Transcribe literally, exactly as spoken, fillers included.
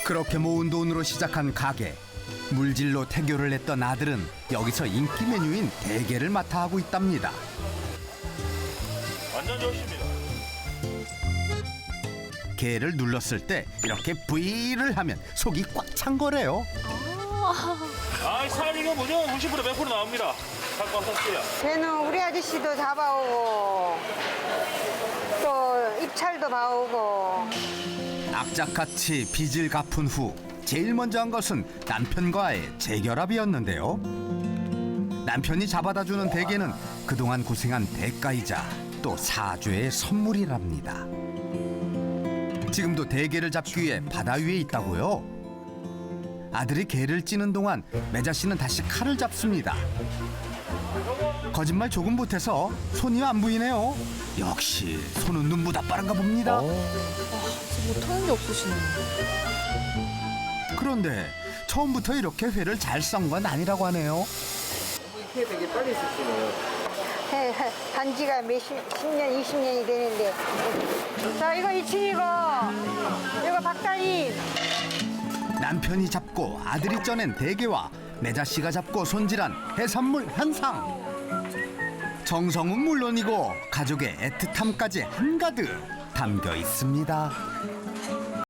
그렇게 모은 돈으로 시작한 가게. 물질로 태교를 했던 아들은 여기서 인기 메뉴인 대게를 맡아 하고 있답니다. 완전 좋습니다. 게를 눌렀을 때 이렇게 브이를 하면 속이 꽉 찬 거래요. 아, 살 이거 무조건 구십 퍼센트 백 퍼센트 나옵니다. 갖고 왔었어요. 걔는 우리 아저씨도 잡아오고 또 입찰도 봐오고. 악착같이 빚을 갚은 후 제일 먼저 한 것은 남편과의 재결합이었는데요. 남편이 잡아다 주는 대게는 그동안 고생한 대가이자 또 사죄의 선물이랍니다. 지금도 대게를 잡기 위해 바다 위에 있다고요? 아들이 게를 찌는 동안 매자 씨는 다시 칼을 잡습니다. 거짓말 조금 못해서 손이 안 보이네요. 역시 손은 눈보다 빠른가 봅니다. 못하는 게 없으시네. 그런데 처음부터 이렇게 회를 잘 썬 건 아니라고 하네요. 회 되게 빨리 쓰시네요. 해, 해, 한 지가 몇십 년, 이십 년이 되는데. 자, 이거 이층이고, 이거 박다리. 남편이 잡고 아들이 쪄낸 대게와 매자 씨가 잡고 손질한 해산물 한 상. 정성은 물론이고 가족의 애틋함까지 한가득 담겨 있습니다.